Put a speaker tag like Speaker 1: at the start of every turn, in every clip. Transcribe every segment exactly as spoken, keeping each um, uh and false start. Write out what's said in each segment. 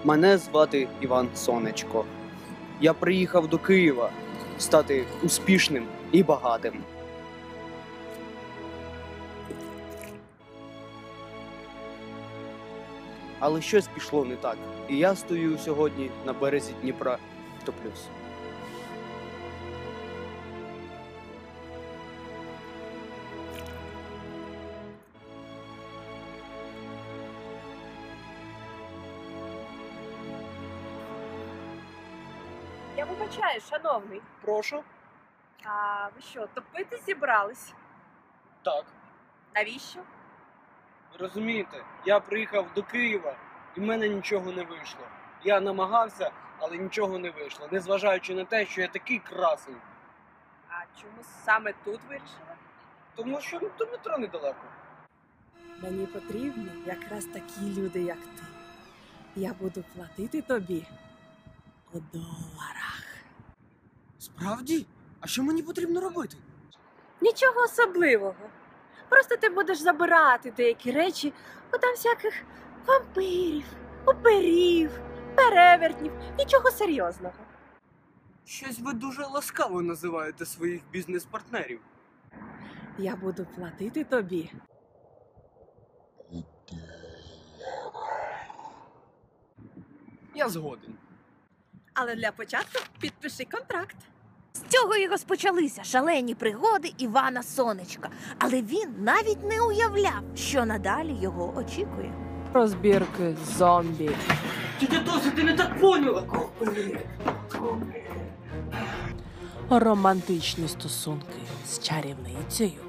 Speaker 1: Мене звати Іван Сонечко. Я приїхав до Києва стати успішним і багатим. Але щось пішло не так, і я стою сьогодні на березі Дніпра, топлюсь.
Speaker 2: Я вибачаю, шановний.
Speaker 1: Прошу?
Speaker 2: А ви що, топити зібрались?
Speaker 1: Так.
Speaker 2: Навіщо?
Speaker 1: Ви розумієте, я приїхав до Києва, і в мене нічого не вийшло. Я намагався, але нічого не вийшло, незважаючи на те, що я такий красень.
Speaker 2: А чому саме тут вирішили?
Speaker 1: Тому що до метро недалеко.
Speaker 2: Мені потрібні якраз такі люди, як ти. Я буду платити тобі у доларах.
Speaker 1: Справді? А що мені потрібно робити?
Speaker 2: Нічого особливого. Просто ти будеш забирати деякі речі у там всяких вампирів, упирів, перевертнів. Нічого серйозного.
Speaker 1: Щось ви дуже ласкаво називаєте своїх бізнес-партнерів.
Speaker 2: Я буду платити тобі.
Speaker 1: Я згоден.
Speaker 2: Але для початку підпиши контракт.
Speaker 3: З цього і розпочалися шалені пригоди Івана Сонечка. Але він навіть не уявляв, що надалі його очікує.
Speaker 2: Розбірки зомбі.
Speaker 1: Ти досі, ти не так поняла.
Speaker 2: Романтичні стосунки з чарівницею.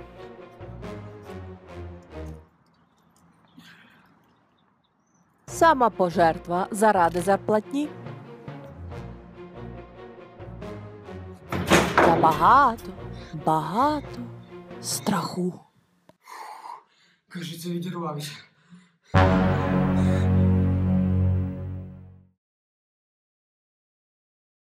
Speaker 2: Самопожертва заради зарплатні. Та багато, багато страху.
Speaker 1: Кажеться, відірвався.